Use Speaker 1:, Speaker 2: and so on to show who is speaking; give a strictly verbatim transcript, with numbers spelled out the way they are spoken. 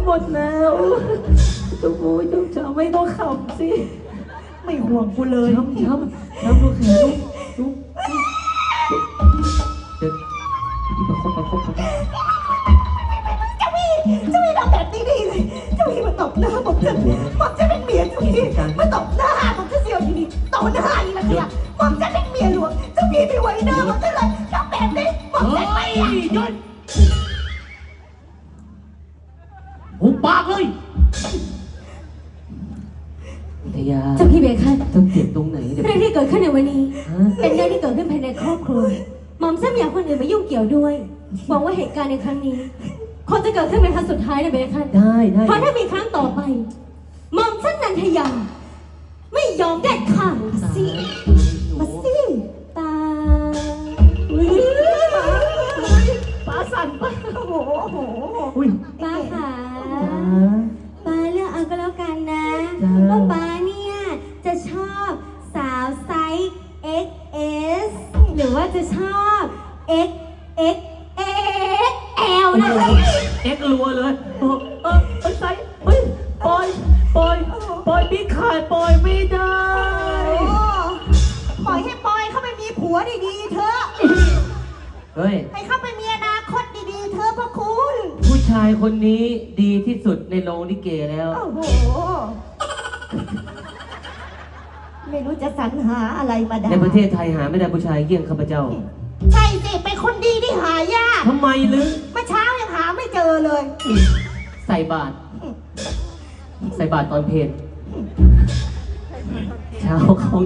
Speaker 1: หมดแล้วจุ๊บูจุ๊จ๋าไม่ต้องขำสิไม่ห่วงกูเลยช้ำช้ำช้ำลูกแขนลูกลูกเด็กที่ประคบประคบประคบ
Speaker 2: เจ้าพี่เจ้าพี่ทำแบบนี้ดีเลยเจ้าพี่มาตบหน้าผมจะผมจะเป็นเมียเจ้าพี่มาตบหน้าผมจะเสียวทีนี้ตบหน้าอีกแล้วเนี่ยผมจะเป็นเมียหลวงเจ้าพี่ไปไว้หน้าผมจะเลยทำแบบนี้ผมจะไม่หยุด
Speaker 1: หุบปากเลยทยา
Speaker 3: เจ้าพี่เบคัน
Speaker 1: ต้องเจ็บตรงไหนเดี๋ยว
Speaker 3: เรื่องที่เกิดขึ้นในวันนี้เป็นเรื่องที่เกิดขึ้นภายในครอบครัวหม่อมฉันไม่อยากคนอื่นมายุ่งเกี่ยวด้วยหวังว่าเหตุการณ์ในครั้งนี้คงจะเกิดขึ้นเป็นครั้งสุดท้ายนะเบคัน
Speaker 1: ได้ได้
Speaker 3: เพราะถ้ามีครั้งต่อไปหม่อมฉันนันทยาไม่ยอมเด็ดขาดสิมาสิตา
Speaker 2: ป้าสั่นป้าโอ้โหโอ้โห
Speaker 1: อุ้ย
Speaker 3: ป้าค่ะ
Speaker 1: จ้า
Speaker 3: ป้าเลือกเอาก็แล้วกันนะ
Speaker 1: จ้า
Speaker 3: ว่าป้าเนี่ยจะชอบสาวไซส์ เอ็กซ์ เอส หรือว่าจะชอบ เอ็กซ์ เอ็กซ์ เอ็กซ์ แอล นะ
Speaker 1: เอ็กรัวเลยเออเออเออใส่เฮ้ยปล่อยปล่อยปล่อยพี่ขาดปล่อยไม่ได้
Speaker 2: ปล่อยให้ปอยเข้าไปมีผัวดีๆเถอะ
Speaker 1: เฮ้ย
Speaker 2: ให้เข้าไปมีอนาคตดีๆเถอะพ่อคุณ
Speaker 1: ผู้ชายคนนี้ดีที่สุดในโรงลิเกแล้ว
Speaker 2: โอ้โหไม่รู้จะสรรหาอะไรมาได้
Speaker 1: ในประเทศไทยหาไม่ได้ผู้ชายเยี่ยงข้าพเจ้า
Speaker 2: ใช่สิเป็นคนดีที่หายาก
Speaker 1: ทำไมลึก
Speaker 2: เมื่อเช้ายังหาไม่เจอเลย
Speaker 1: ใส่บาตรใส่บาตรตอนเพลเช้าเขา